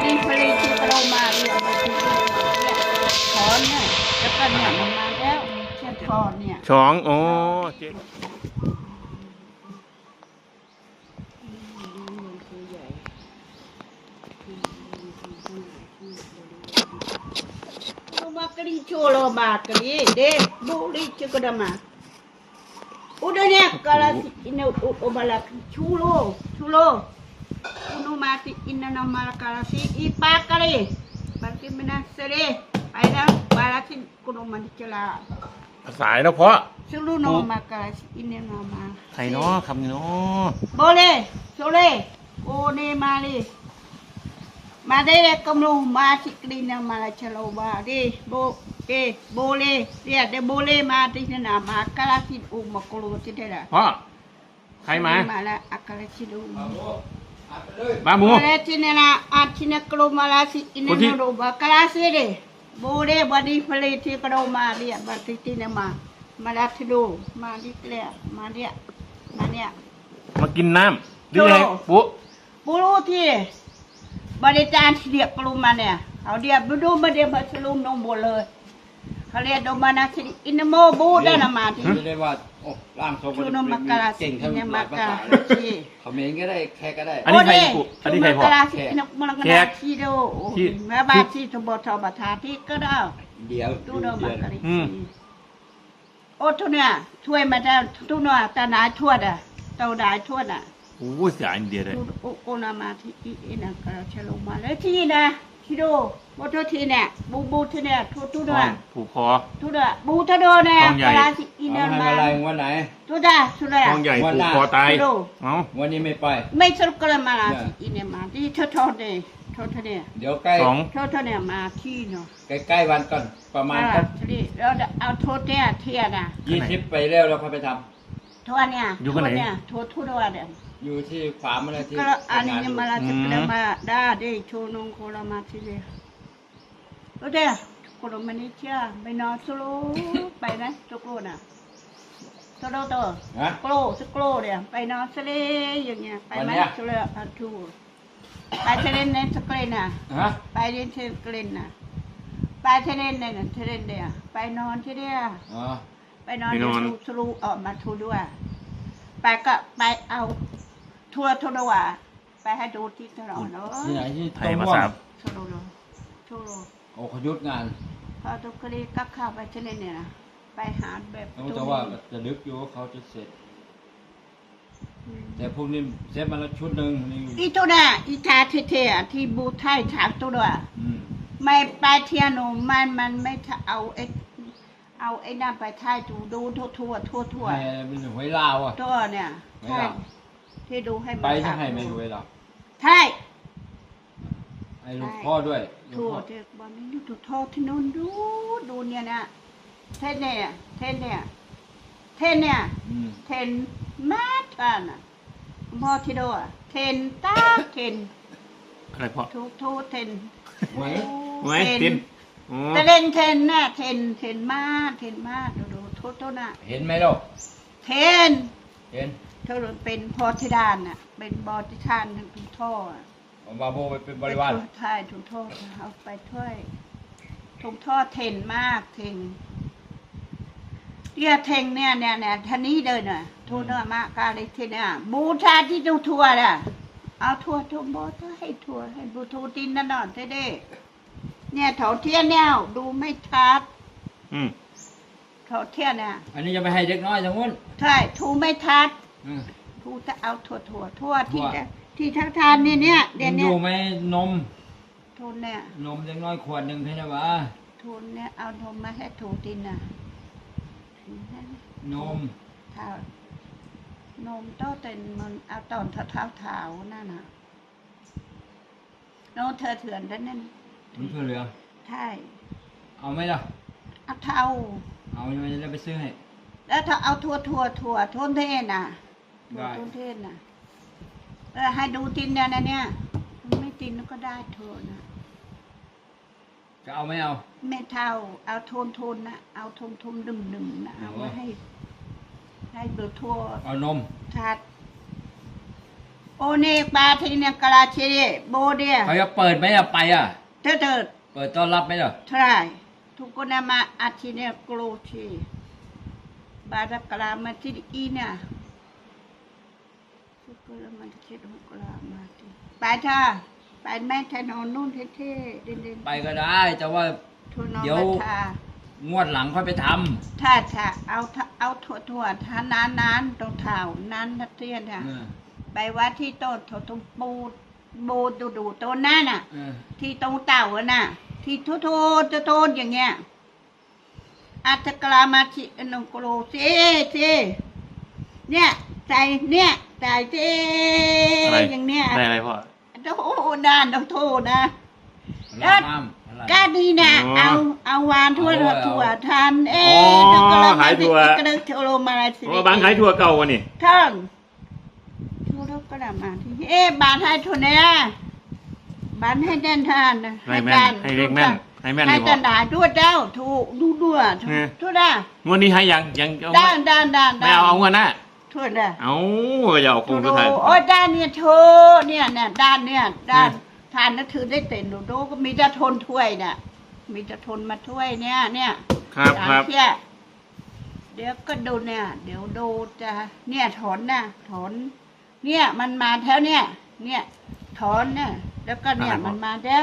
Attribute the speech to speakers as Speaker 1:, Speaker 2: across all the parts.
Speaker 1: ดีผลิตที่เรามาเนี่ยมาที่เนี่ยถอนเนี่ยแล้วก็เนี่ยมันมาแล้วแค่ถอนเนี่ย
Speaker 2: ช้องอ๋อเจ๊
Speaker 1: Makri cholo makri de buli chukudama. Udahnya kalau ini obalak chulo. Unu mati ina nama kalau si ipakari. Berarti menasere. Ayah balasin kuno mandi celah.
Speaker 2: สายแล้วเพราะ
Speaker 1: Seluruh nama kalau si ini nama.
Speaker 2: ใครเนาะคำนี้เนาะ
Speaker 1: Boleh, boleh. Oh ni mari. Madai kamu masih kelina malah celoba deh, boleh, dia deh boleh mati nama akal si makulu tidak ada.
Speaker 2: พ่อใครมา
Speaker 1: Malah akal si
Speaker 2: มาหมู
Speaker 1: Boleh sini nak, sini kalau malah si ini nama akal si deh. Boleh badi peliti kalau mari berarti sini malah tidur, mari kelihatan, mari,
Speaker 2: มากินน้ำหรือไงปุ๊
Speaker 1: Bulu ti. Pada jam dia keluar ya, kalau dia berdua dia berselum nombor le. Kalau dia domba nasi ini mau boda nama ti.
Speaker 3: ไม่ได้ว่าโอ้ร่างทรงมันเก่งทั้งหลายภาษาเขมรก็ได้แขกก็ได้
Speaker 2: อันนี้ใครปุ๊อันนี้ใครพ่อ
Speaker 1: Ini malang kena si do. Maba si coba coba hati ke dah.
Speaker 3: เดี๋ยว
Speaker 1: Tu dah makari.
Speaker 2: อืม
Speaker 1: Oh tu ni, tuai macam tu ni, tanah tuai dah, tahu dah tuai dah.
Speaker 2: โอ้เสียอินเดียเลย
Speaker 1: โอนามาที่อินังกระเชลมาแล้วที่นะที่ดูบูทุที่เนี่ยบูที่เนี่ยทุด้วย
Speaker 2: ผูกคอ
Speaker 1: ทุด้วยบูทุด้วยเนี่ยกระสิอินัง
Speaker 3: ทำ
Speaker 1: มา
Speaker 3: อะไรวันไหน
Speaker 1: ทุด้วยทุด้วย
Speaker 2: ทองใหญ่ผูกคอตายเอ้า
Speaker 3: วันนี้ไม่ไป
Speaker 1: ไม่สรุปกระมาลาสิอินังมาที่ทอดเนี่ยทอดเนี่ย
Speaker 3: เดี๋ยวใกล้
Speaker 2: สอง
Speaker 1: ทอดเนี่ยมาที่เนาะ
Speaker 3: ใกล้วันก่อนประมาณสัก
Speaker 1: แล้วเอาทอดเนี่ยเทียนะ
Speaker 3: 20ไปแล้วเราค่อยไปท
Speaker 1: ทอดเนี่ยทอดทุด้วยเนี่ย
Speaker 3: ำอยู่ที่ฟาร์มอะไรที่
Speaker 1: ก็อันนี้มาลาจะกระมาได้ได้โชว์นงโคลามาที่เลยแล้วเดี๋ยวคนมันนี่เชื่อไปนอนสโลไปนะสโลน่ะสโลตัว
Speaker 3: ฮะ
Speaker 1: สโลเนี่ยไปนอนสเลอย่างเงี้ยไปไหมสโลอันทูไปเทเลนในสเกลน่ะ
Speaker 3: ฮะ
Speaker 1: ไปเรียนเทเลนน่ะไปเทเลนในเทเลนเนี่ยไปนอนที่เนี่ย
Speaker 3: อ๋อ
Speaker 1: ไปนอนสโลออกมาทูด้วยไปก็ไปเอาทัวร์ทัวร์ว่าไปให้ดูที่ตลอดเนาะ
Speaker 3: ที่ไหนที่
Speaker 2: ไท
Speaker 3: ตร
Speaker 2: ย
Speaker 3: ง
Speaker 2: มา
Speaker 3: ม่วง
Speaker 2: สาม
Speaker 1: โชโลโลโชโล
Speaker 3: โอ้เขายุดงาน
Speaker 1: พอทุกคดีก็เข้าไปเช่นเนี่ยนะไปหาแบบ
Speaker 3: แต่ว่าจะนึกอยู่ว่าเขาจะเสร็จ แต่พวกนี้เซฟมาแล้วชุดหนึ่งนี่
Speaker 1: อีตัวน่ะอีทาเท่ๆที่บูไทยถามตัวด้วย
Speaker 3: อืม
Speaker 1: ไม่ไปเทียนมันไม่เอาไอ้นั่นไปไทยดูทั่ว
Speaker 3: ให้เป็นหวยลาวอ่ะ
Speaker 1: ตัวเนี่ยใช่ที่ดูให้
Speaker 3: ไปจะให้ไม่หวยลาว
Speaker 1: ใช่
Speaker 3: ให้ลูกพ่อด้วยลูก
Speaker 1: ทั่ว
Speaker 3: พ่อ
Speaker 1: เด็กวันนี้ดูทั่วที่นู้นดูเนี่ยนะเทนเนี่ยเทนมากกันอ่ะพ่อที่ดูอ่ะเทนตาเทน
Speaker 2: อะไรพ่อ
Speaker 1: ทุกเทน
Speaker 3: ไหม
Speaker 2: ไว้ตินอ๋อ
Speaker 1: แต่เล่นเทนน่ะเทนมากดูโทษน่ะ
Speaker 3: เห็นไหมลูก
Speaker 1: เทน
Speaker 3: เห็น
Speaker 1: เธอเป็นพอธิดานน่ะเป็นบอธิทานทั้งทุกท่อ
Speaker 3: เอาบาโบไปเป็นบริวาร
Speaker 1: ใช่ทุกท่อเอาไปถ้วยทุกท่อเทนมากเทนเรียกเทงเนี่ยท่านี้เดินน่ะทั่วเนื้อมากกาเลยทีเนี่ยบูชาที่ดูทั่วน่ะเอาทั่วบอให้ทั่วให้บูทูตินนั่นน่ะเท่ๆเนี่ยเถาเทียนเนี่ยดูไม่ชัด
Speaker 2: อืม
Speaker 1: เขาเที่ยน่ะ
Speaker 3: อันนี้จะไปให้เด็กน้อยทั้งนู้น
Speaker 1: ใช่ทูไม่ทัด
Speaker 3: อืม
Speaker 1: ทูจะเอาทั่วที่ทั้งทานเนี่ยเดี๋ยว
Speaker 3: อ
Speaker 1: นี้
Speaker 3: ยู่ไหมนม
Speaker 1: ทูเนี่ย
Speaker 3: นมเด็กน้อยขวดหนึ่งเท่านั้นวะ
Speaker 1: ทูเนี่ยเอานมมาให้ทูตินน่ะ
Speaker 3: นม
Speaker 1: เท้านมโตเต็นมันเอาตอนเท้านั่นน่ะโน้เธอเถื่อนแล้วนั่น
Speaker 3: มันคือเหลือง
Speaker 1: ใช่
Speaker 3: เอาไหมล่ะ
Speaker 1: เอาเท้า
Speaker 3: เอาไม่ได้ไปซื้อให้
Speaker 1: แล้วถ้าเอาทั่วทนเทศน่ะ
Speaker 3: ได้
Speaker 1: ทนเทศน่ะให้ดูตินเนี่ยไม่ตินก็ได้เธอนะ
Speaker 3: จะเอาไม่เอา
Speaker 1: ไม่เท่าเอาโทนนะเอาทมดึมนะเอาไว้ให้เบอร์ทั่ว
Speaker 3: เอานม
Speaker 1: ทัดโอเนกบาทีเนี่ยกะลาเชเดโบเดีย
Speaker 3: เขาจะเปิดไหมอะไปอะ
Speaker 1: เถิด
Speaker 3: เปิดต้อนรับไหมเหรอ
Speaker 1: ใช่ทุกคนมาอาทิเนี่ยโกรธีบาดกะลามาที่อีเนี่ยทุกคนมาที่ทุกกะลามาที่ไปเถอะไปแม่ถนนนู่นเท่ๆเด่นๆ
Speaker 3: ไปก็ได้แต่ว่า
Speaker 1: ทุนน
Speaker 3: เดี๋ยว
Speaker 1: มาทาง
Speaker 3: วดหลังค่อยไปท
Speaker 1: ถ้าเอาถั่วทานานตรงเท้านานนัดเทียนค่ะ
Speaker 3: ำ
Speaker 1: ไปวัดที่โต๊ะตรงปูดูต้นนั่นน่ะ ที่ตรงเต่าอะน่ะ ที่โทษอย่างเงี้ยอัตกรามาชิอนงโกโลเซเนี่ยใจเนี่ยใจเจ
Speaker 2: อะไร
Speaker 1: อย่างเนี้ย
Speaker 2: ได้อะไรพ่อ
Speaker 1: โอ้ด้านต้องโทษนะ
Speaker 3: รับน้ำอะไร
Speaker 1: ก็ดีนะ
Speaker 2: อ๋อ
Speaker 1: เอาวานถั่ว
Speaker 3: เอา
Speaker 1: ถั่วทาน
Speaker 2: อ๋อขายถั่ว
Speaker 1: กระดึกโทรมาสิ
Speaker 2: อ๋อบางขายถั่วเก่าวะนี่
Speaker 1: ท่านทั่วโลกก็ได้มาที่บานให้ทุนเนี่ยบานให้แดนทานนะ
Speaker 2: ให้แม่นให้เลขแม่นให้แม่นเล
Speaker 1: ให้
Speaker 2: ยพ่
Speaker 1: ตั
Speaker 2: อน
Speaker 1: ดาด้วยเจ้าถูกดูด้วย
Speaker 2: เนี่ย
Speaker 1: ทั่วได้
Speaker 2: งวดนี้ให้ยังเอา
Speaker 1: ด้าน
Speaker 2: ไม่เอางวดหน้า
Speaker 1: ทั่วได้
Speaker 2: เอาอย่าเอาคงสุดท้าย
Speaker 1: โอ้ด้านเนี่ยโทเนี่ยด้านเนี่ยด้านทานนักถือได้เต็นดูก็มีแต่ทนถ้วยน่ะมีแต่ทนมาถ้วยเนี่ย
Speaker 2: ครับ
Speaker 1: สาม
Speaker 2: ครับ
Speaker 1: เที่ยเดี๋ยวก็ดูเนี่ย เดี๋ยวดูจะเนี่ยถอนเนี่ยมันมาแถวเนี่ยถอนเนี่ยแล้วก็เนี่ยมันมาแล้ว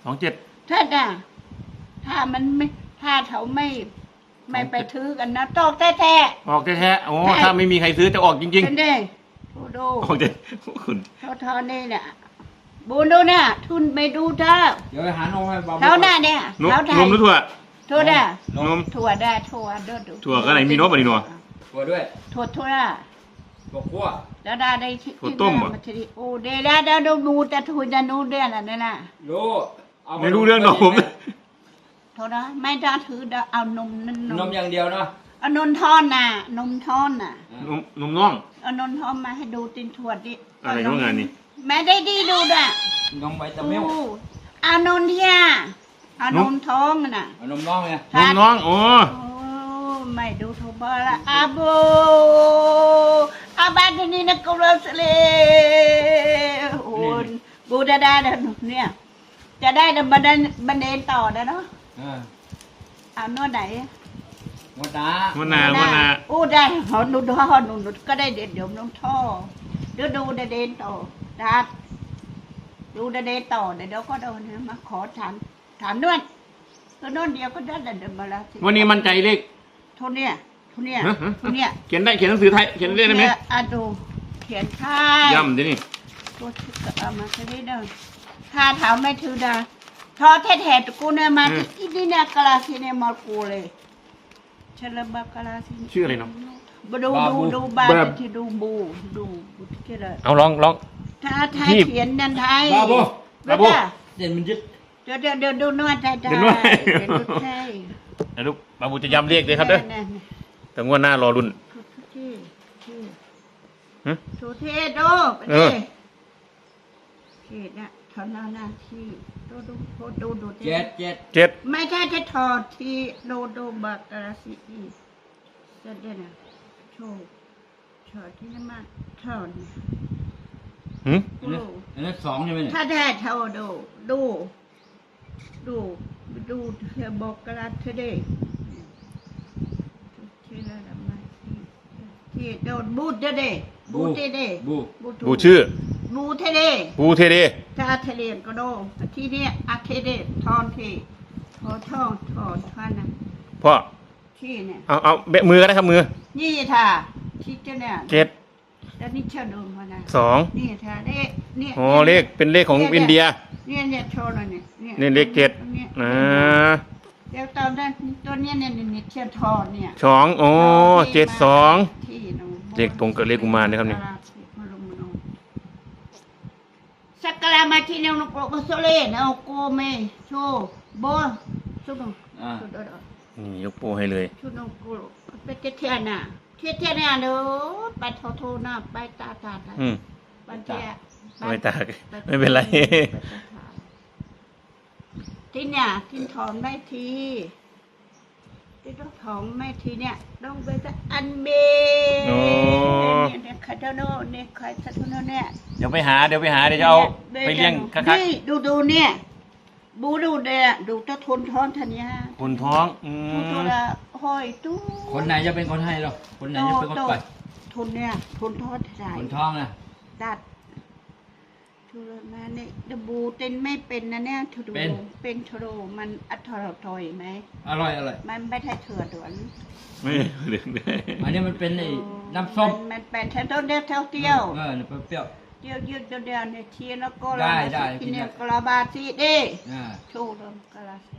Speaker 2: 27
Speaker 1: ถ้ามันไม่ถ้าเขาไม่ไปถือกันนะตอกแท้
Speaker 2: ออกแท้ๆโอ้ถ้าไม่มีใครซื้อจะออกจริง
Speaker 1: ๆเป็นเด้ดู
Speaker 2: ๆออกเด็คุณ
Speaker 1: เท่านี่เนี่ยบูดูเนี่ยทุนไปดูเท่า
Speaker 3: เดี๋ยวไปหานมให้บา
Speaker 1: เท่าหน้าเนี่ย
Speaker 2: นม
Speaker 1: เท่าไท
Speaker 2: น
Speaker 1: ย
Speaker 2: มหรือถั่ว
Speaker 1: ถั่วได้
Speaker 2: นม
Speaker 1: ถั่วได้ถั่วดู
Speaker 2: ถั่วก็ไหนมีนมอ่ะนี่หนัว
Speaker 3: ตัวด้วย
Speaker 1: ถั่วได้
Speaker 3: ตัวคั่ว
Speaker 1: แล้วได้ที่
Speaker 2: ถั่วต้มเหรอ
Speaker 1: าทีโอ้เดี๋ยวได้ดูแต่ถั่วจะนูเดือนอะไรนั่นน่ะ
Speaker 3: รู้เอา
Speaker 2: ไม่รู้เรื่องหรอกผม
Speaker 1: โทษนะไม่ได้ถือเอานมนั่น
Speaker 3: นมอย่างเดียวเนาะ
Speaker 1: เอานมทอนน่ะนมทอนน่ะ
Speaker 2: นมน่อง
Speaker 1: เอานมทอนมาให้ดูตินถั่วดิ
Speaker 2: อะไรของงานนี่
Speaker 1: แม่ได้ดีดูด้วย
Speaker 3: นมไวตามิล
Speaker 1: เอานมเทียเอานมท้องน่ะ
Speaker 3: เอานมน้องไง
Speaker 2: นมน่องอ๋อ
Speaker 1: โอ้ไม่ดูโทบอละอาโบอาบานนี่นะกุลสเลโอ้บูได้เนี่ยจะได้บันเดนต่อนะเนาะ เอาโน่นไหน
Speaker 3: งวดน้า
Speaker 2: วันนา
Speaker 1: อู้ได้หอนุดก็ได้เด็ดเดี๋ยวน้องท่อดูเด่นต่อดัดดูเด่นต่อเดี๋ยวก็โดนมาขอถามด้วยก็โน่นเดียวก็ได้เดินมาแล้ว
Speaker 2: วันนี้มั่นใจเลข
Speaker 1: ทุนเนี่ย
Speaker 2: ฮะเขียนได้เขียนหนังสือไทยเขียนเลขได้ไหม
Speaker 1: อ่ะดูเขียนค่าย
Speaker 2: ย่ำดินี่
Speaker 1: ตัวเอามาแค่นี้เด้อค่าถามไม่ถือดาทอแท้ๆกูเนี่ยมาที่นี่เนี่ยกะลาซีเนี่ยมากูเลยเชลบากะลาซี
Speaker 2: ชื่ออะไรเนาะ
Speaker 1: ดูบาที่ดูบูที่เลย
Speaker 2: เอาลอง
Speaker 1: ถ้าไทยเขียนนันไทย
Speaker 3: บาบู
Speaker 1: บาบู
Speaker 3: เด่นมันยึด
Speaker 1: เดี๋ยวดูนวดไทย
Speaker 2: เดี๋ยวนวด
Speaker 1: เป็นนวดไทย
Speaker 2: นะลูกบาบูจะย้ำเลขเลยครับเด้อแต่งวดหน้ารอรุ่น
Speaker 1: ที่
Speaker 2: ฮะ
Speaker 1: สุเทพโด
Speaker 2: เออ
Speaker 1: เขตน่ะทอนหน้าที่ดู
Speaker 3: เจ็ด
Speaker 1: ไม่ใช่จะถอดที่ดูบักกะลาซีอีจะเด่นอ่ะโชว์ถอดที่นั่นมาถอด
Speaker 2: หืม
Speaker 3: อันนั้นสองใช่ไหมเนี่ย
Speaker 1: ถ้าได้เท่าดูเธอบอกกะลาเธอได้ที่โดนบูดเด้บูดเด้
Speaker 3: บู
Speaker 2: บูชื่อ
Speaker 1: บูเทเด้
Speaker 2: บูเทเด
Speaker 1: ถ้าเทเลนก็โดที่เนี่ยอาเทเดทอนทีทอนท่านนะ
Speaker 2: พ่อ
Speaker 1: ที่เนี่ย
Speaker 2: เอาเบะมือก็ได้ครับมือ
Speaker 1: นี่ท่าที่เจ้าเนี่ย
Speaker 2: 7
Speaker 1: แล้วนี่เช่าดูมานะ
Speaker 2: 2
Speaker 1: นี่ท่าเนี่ย
Speaker 2: อ๋อเลขเป็นเลขของอินเดีย
Speaker 1: เนี่ยโชว์หน่อยเนี่ย
Speaker 2: นี่เลข7
Speaker 1: เดี๋ยวตอนนั้นตัวเนี้ยเนี่ยเชื่อทอนเนี่ย
Speaker 2: 2อ๋อ72
Speaker 1: ที่น้อง
Speaker 2: เลขตรงกับเลขกุมารนะครับนี่
Speaker 1: สักการะมาที่เนี่ยนกโกโซเล่นะโกเมโชโบชุดน
Speaker 2: นี่ยกโป้ให้เลย
Speaker 1: ชุดนกโกไปเทียนน่ะเด้อไปโทน่ะไปตาบันเทีย
Speaker 2: ไม่ตากไม่เป็นไร
Speaker 1: ที่เนี่ยที่ถอนได้ทีที่ต้องของแม่ทีเนี่ยต้องไปจะอันเบ
Speaker 2: โอ้
Speaker 1: เนี่ยคาโดโนเนี่ยคอยสัตว์โนเนี่ย
Speaker 2: เดี๋ยวไปหาเดี๋ยวจะเอาไปเลี้ยงคัก
Speaker 1: นี่ดูเนี่ยบูดูเนี่ยดูตะทนท้อนทันยา
Speaker 2: ๆคนท้อง
Speaker 1: ตัวละห้อยตู้
Speaker 3: คนไหนจะเป็นคนให้หรอคนไหนจะเป็นคนปล่อย
Speaker 1: ทุนเนี่ยทุนทอดใส่
Speaker 3: คนท้องนะ
Speaker 1: ตัดทุรมาเนี่ยดบูเต้นไม่เป็นนะเนี่ยทุดูเป็นทุโรมันอัตถอยไหม
Speaker 3: อร่อย
Speaker 1: มันไม่ใช่เถื่อดวน
Speaker 2: ไม่เดือดได้
Speaker 3: อันนี้มันเป็นไอ้น้ำส้ม
Speaker 1: มันเป็นเท่าเดียวเที่ยว
Speaker 3: เปรี้ยว
Speaker 1: เดียวยืดเดียวเนี่ยเทียนแล้วก็
Speaker 3: ได้
Speaker 1: กินเนี่ยกลาบาซีเด้
Speaker 3: ๆ
Speaker 1: ชูดมกลาซี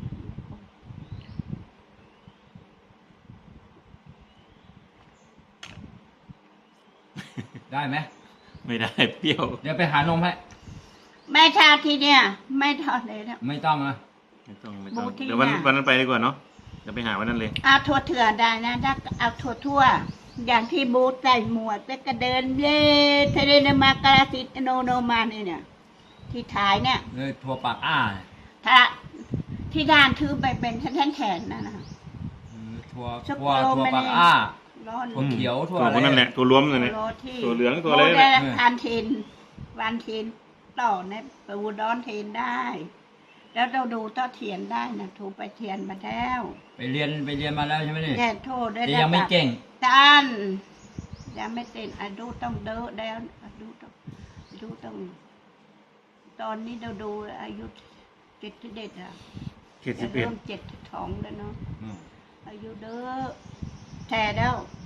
Speaker 3: ได้ไหม
Speaker 2: ไม่ได้เปรี้ยว
Speaker 3: เดี๋ยวไปหานมให้
Speaker 1: แม่ชาทีเนี่ยไม่ทอดเลยนะ
Speaker 3: ไม่ต้องนะ
Speaker 2: ไม่ต้อง
Speaker 1: บูที่
Speaker 2: เดี๋ยววัน
Speaker 1: น่ะ
Speaker 2: นั้นไปดีกว่าเนาะเดี๋ยวไปหาวันนั้นเลย
Speaker 1: เอาถั่วเถื่อได้นะถ้าเอาถั่วทั่ว อย่างที่บูใส่หมวกแล้วก็เดินเล่ทะเลนมากราสิตโนมาเนี่ยที่ถ่ายเนี่ย
Speaker 3: เลยถั่วปากอ้า
Speaker 1: ถ้าที่ด้านถือไปเป็นแทนๆนะ
Speaker 3: ถั่ว
Speaker 1: ช็อกโก
Speaker 3: ถั่ว
Speaker 1: แลต
Speaker 3: ปากอ้า
Speaker 1: ร้อน
Speaker 3: ถั่วเขียวถั่ว
Speaker 2: ตัว
Speaker 3: อะไร
Speaker 2: นั่นแหละตัวรวมเลยเนี่ย
Speaker 1: โรที่
Speaker 2: ถั่วเหลืองตัวอะไร
Speaker 1: โบ
Speaker 2: เนี่ย
Speaker 1: ทานเทนวันเทนต่อเนี่ยปูดอนเทนได้ แล้วเราดูต่อเทียนได้นะถูกไปเทียนมาแล้ว
Speaker 3: ไปเรียนมาแล้วใช่ไหมนี่
Speaker 1: แค่โทษได้
Speaker 3: แต่ยังไม่เก่ง
Speaker 1: ด้านยังไม่เต้นอะดูต้องเด้อแล้วอะดูต้องตอนนี้เราดูอายุ71อ่ะ
Speaker 2: 71
Speaker 1: เริ่ม72แล้วเนาะ
Speaker 3: อืม
Speaker 1: อายุเด้อแท้แล้ว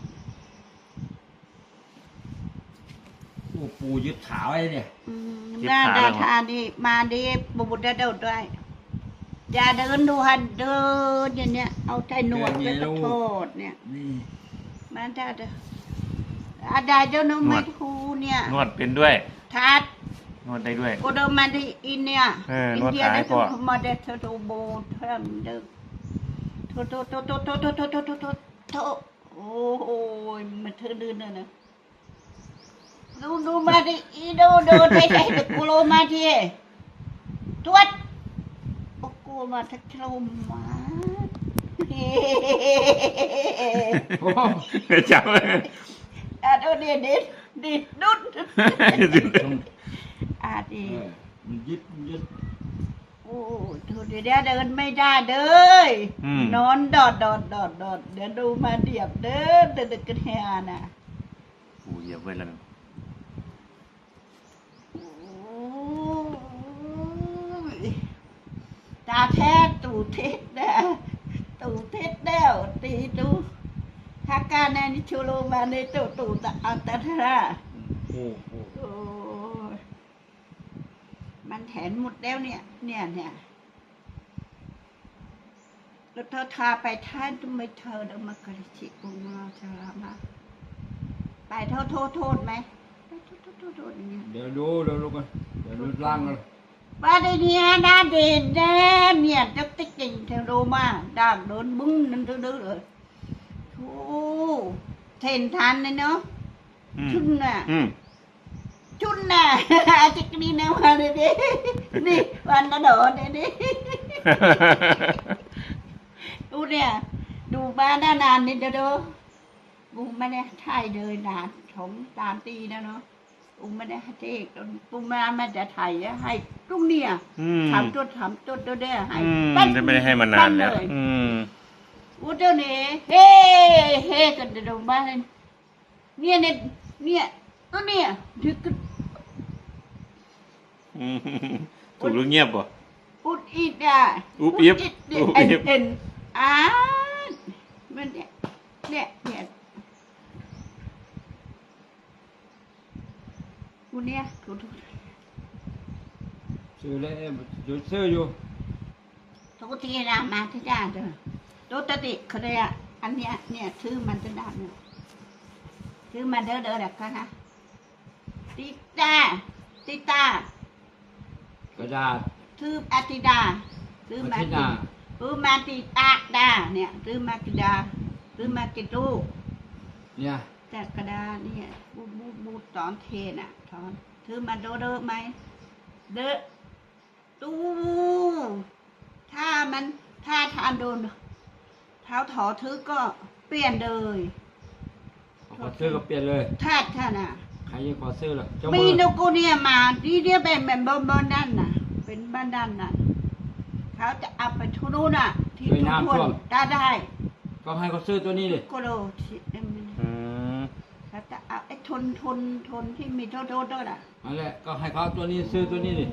Speaker 3: ปูยึดขาไว้เนี่ย
Speaker 1: หน้าดาทานี่มาดีบุตรเดินด้วยอย่าเดินดูหันเดินอย่างเนี้ยเอาใจหนวดไปโทษเนี่ย
Speaker 3: นี่
Speaker 1: มันได้เด้ออาดาเจ้าน้องไม่ทูเนี่ย
Speaker 2: นวดเป็นด้วย
Speaker 1: ทัด
Speaker 2: นวดได้ด้วย
Speaker 1: กูเดินมาที่อินเนี่ย
Speaker 2: น
Speaker 1: อิ
Speaker 2: วด
Speaker 1: เดีย
Speaker 2: ขาให้
Speaker 1: ได้
Speaker 2: พ่อ
Speaker 1: ถึงมาเด็ดเธอดูโบเทิมเด้อโทโอ้โหมันเธอดื้อเนอะนะดูมาที่อีดูไทยเด็กกูโลมาที่ตรวจโอ้กูมาทักโลมา
Speaker 3: โอ้
Speaker 2: จับ
Speaker 1: ดูดิดุดดี
Speaker 3: มันยึด
Speaker 1: โอ้ดูดิเดินไม่ได้เด้อนอนดอดเดี๋ยวดูมาเดียบเด้อเด็กกันแฮน่ะ
Speaker 2: โอ้เหยียบไว้แล้ว
Speaker 1: ตาแท้ตูเท็ดแล้วตีตูถ้าการในนิชูโรมาในตูตะอันตรา
Speaker 3: โอ้โห
Speaker 1: โอ้มันแถนหมดแล้วเนี่ยแล้วเธอทาไปท่านต้องไม่เธอเดินมากระชิกุมาชาลามาไปโทษไหมไปโทษอย่างเงี้ย
Speaker 3: เดี๋ยวดูกันเดี๋ยวดูร่างกัน
Speaker 1: บ้านเนี่ยน่าเด่นแน่เนี่ยจะติ๊กจริงเธอรู้มาด่างโดนบึ้งนั่นดื้อเลยโอ้เทนทันเลยเนาะชุนน่ะจิกนี่นะมาเลยดินี่วันละโดดเลยดิดูเนี่ยดูบ้านนานนี่เด้อกูไม่ได้ถ่ายเลยนานของตามตีนะเนาะกูไม่ได้ให้เทกกูไม่ได้ถ่ายให้ตุ้งเนี่ยถามตัวได้ให้
Speaker 2: จะไม่ได้ให้มานานแล้ว
Speaker 1: กูเจ้าเนี่ยเฮ้กันเดี๋ยวบ้านเนี่ยตัวเนี่ยดึก
Speaker 2: ถูกหรือเงียบป่ะ
Speaker 1: อุดอิดอ่ะ
Speaker 2: อุบอิบ
Speaker 1: เอ็นมันเนี่ยกูเนี่ยถูก
Speaker 3: ซื้อเลยซื้ออยู่
Speaker 1: ทุกทีนะมาที่ด้านเด้อตัวตติเขาเลยอ่ะอันเนี้ยเนี่ยชื่อมันจะด้านเนี่ยชื่อมันเด้อแบบกันนะติตาก
Speaker 3: ระดาษ
Speaker 1: ชื่ออาติดาชื่อมาติตาดาเนี่ยชื่อมาติดาชื่อมาติตู
Speaker 3: เนี่ย
Speaker 1: แต่กระดาเนี่ยบูตอนเทน่ะตอนชื่อมาเด้อไหมเด้อตู้ถ้าทานโดนเท้าถอทึกก็เปลี่ยนเลย
Speaker 3: ขอซื้อก็เปลี่ยนเลย
Speaker 1: แทดท่านน่ะ
Speaker 3: ใครจะขอซื้อล่ะเจ้า
Speaker 1: มี
Speaker 3: มือน
Speaker 1: กเนี่ยมาที่เนี่ยเป็นบ้านด้านน่ะ เป็นบ้านด้านน่ะเขาจะเอาไปทุนู้นน่ะ ที่ทุนได้
Speaker 3: ก็ให้เขาซื้อตัวนี้ดิ
Speaker 1: ก็โลที่
Speaker 2: อืม
Speaker 1: เขาจะเอาไอ้ทนที่มีโทษด้วยน่ะ
Speaker 3: นั่นแหละก็ให้เขาตัวนี้ซื้อตัวนี้ดิ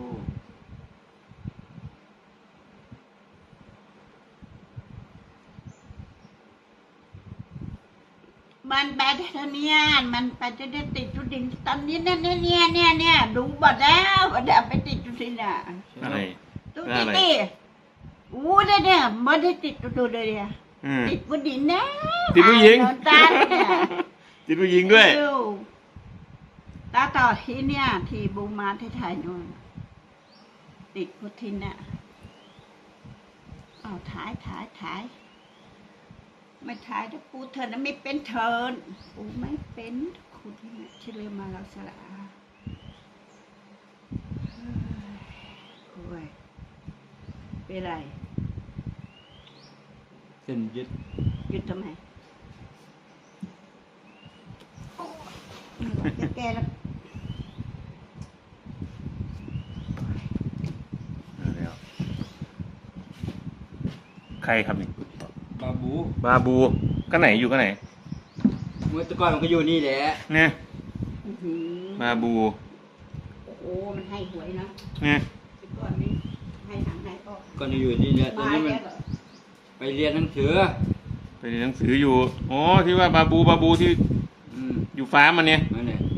Speaker 1: มันไปเท่านี้มันไปจะได้ติดจุดดินตอนนี้เนี่ยดูบัดแล้วบัดแล้วไปติดจุดดินอ่ะ
Speaker 2: อะไร
Speaker 1: ดูดิอู้เนี่ยไม่ได้ติดจุดเลยเนี่ย
Speaker 2: อืม
Speaker 1: ติดบนดินนะ
Speaker 2: ติดผู้หญิง
Speaker 1: ตาเนี่ย
Speaker 2: ติดผู้หญิงด้วย
Speaker 1: ตาต่อที่เนี่ยที่บูมาที่ไทยนู่นติดพุทธินน่ะเอาถ่ายไม่ถ่ายแต่ปูเธอนะไม่เป็นเทินปูไม่เป็นคุณเนี่ยชื่อเรียมาลักษณะโอ้ยเป็นไร
Speaker 3: เส้นยึด
Speaker 1: หยุดทำไมจะแก้แล้ว
Speaker 2: แล้วใครครับนี่
Speaker 3: บาบู
Speaker 2: บาบูก็ไหนอยู่ก็ไหน
Speaker 3: เมื่อแตะก่อนมันก็อยู่นี่แหละ
Speaker 2: เนี่ย
Speaker 1: อื้อหือบ
Speaker 2: าบู
Speaker 1: โอ้โหมันให้หวยนะ
Speaker 2: เนี่ย
Speaker 1: แต่ก่อนนี้ให้หางให้ออก
Speaker 3: ก็อยู่นี่แหละตอน
Speaker 1: มา
Speaker 3: นี้มัน
Speaker 1: แล้วเหรอ
Speaker 3: ไปเรียนหนังสือ
Speaker 2: ไปเรียนหนังสืออยู่อ๋อที่ว่าบาบูที่
Speaker 3: อืม
Speaker 2: อยู่ฟ้ามันเนี่ย
Speaker 3: นั่นแหละ